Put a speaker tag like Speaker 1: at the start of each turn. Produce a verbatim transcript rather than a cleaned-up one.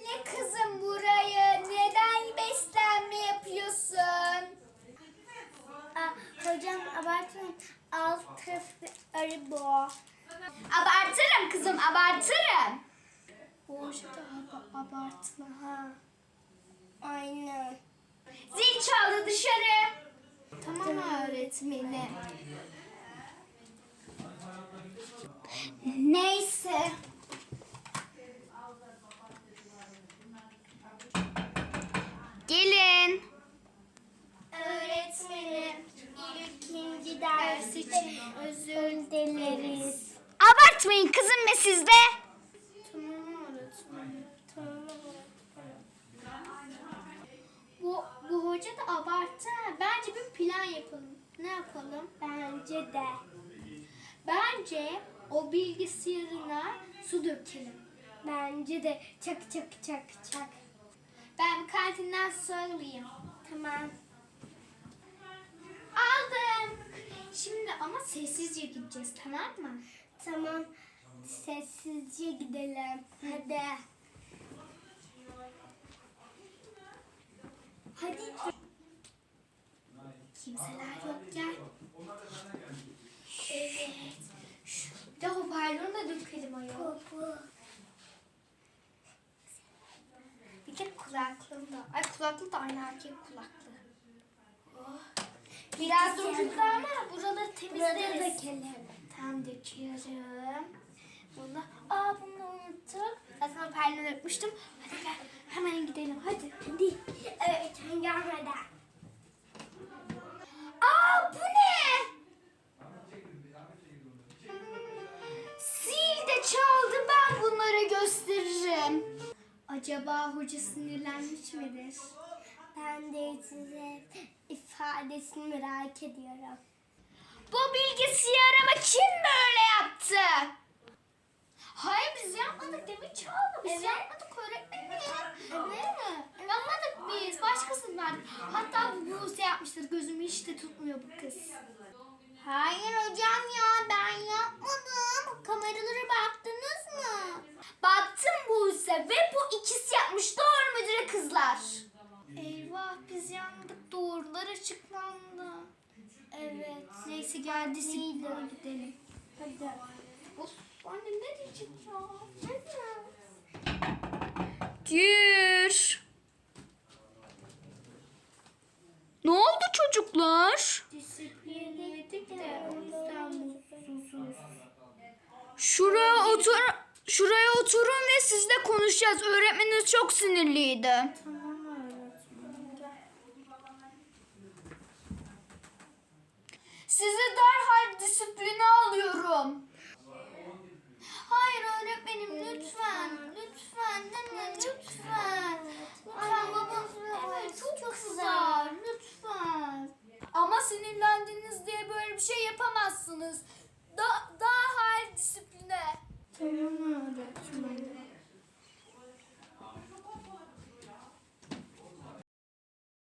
Speaker 1: Sile kızım burayı. Neden beslenme yapıyorsun?
Speaker 2: Aa, hocam abartmayın. Alt tarafı arı bu.
Speaker 1: Abartırım kızım, abartırım.
Speaker 2: Hoca da ab- abartma ha. Aynen.
Speaker 1: Zil çaldı, dışarı. Tamam öğretmenim. Neyse. Gelin.
Speaker 2: Öğretmenim, ikinci ders için özür dileriz.
Speaker 1: Abartmayın kızım ve siz de.
Speaker 2: Tamam öğretmenim. Tamam öğretmenim.
Speaker 1: Bu, bu hoca da abarttı. ha. Bence bir plan yapalım. Ne yapalım?
Speaker 2: Bence de.
Speaker 1: Bence o bilgisayarına su dökelim.
Speaker 2: Bence de. Çak çak çak çak.
Speaker 1: Ben kantinden su alayım.
Speaker 2: Tamam.
Speaker 1: Aldım. Şimdi ama sessizce gideceğiz, tamam mı?
Speaker 2: Tamam. Sessizce gidelim. Hadi.
Speaker 1: Hadi. Kimseler yok, gel. Evet. Şu, bir de hoparlörünü de dökelim ayol.
Speaker 2: Popo.
Speaker 1: Bir de kulaklığım da. Ay kulaklık da aynı erkek kulaklığı. Oh. Biraz döküldü ama buraları
Speaker 2: Burada
Speaker 1: temizleriz.
Speaker 2: dökelim.
Speaker 1: Tam döküyorum. Bunu, aa bunu unuttuk. Zaten hoparlörü dökmüştüm. Hadi gel hemen gidelim hadi.
Speaker 2: Hadi. Evet, gelmeden.
Speaker 1: Aa bu ne? Zil de çaldı, ben bunlara gösteririm. Acaba hoca sinirlenmiş midir?
Speaker 2: Ben de size ifadesini merak ediyorum.
Speaker 1: Bu bilgisayarımı kim böyle yaptı? Hayır biz yapmadık, demek çaldı. Biz
Speaker 2: Evet.
Speaker 1: yapmadık öğretmenim. Evet. Yapmadık biz. Başkasının verdik. Hatta bu Buse yapmıştır. Gözümü hiç de tutmuyor bu kız. Hayır hocam ya, ben yapmadım. Kameralara baktınız mı? Baktım Buse ve bu ikisi yapmış. Doğru mudur kızlar? Eyvah biz yandık. Doğrular açıklandı. Evet. Neyse gel disipline gidelim.
Speaker 2: Hadi.
Speaker 1: Of annem ne diyecek ya? Gir. Ne oldu çocuklar?
Speaker 2: Disiplin yedik de o yüzden mutsuzuz.
Speaker 1: Şuraya otur. Şuraya oturun ve sizle konuşacağız. Öğretmeniniz çok sinirliydi.
Speaker 2: Tamam öğretmenim.
Speaker 1: Sizi derhal disipline alıyorum. Hayır öğretmenim lütfen. Lütfen. Lütfen. lütfen.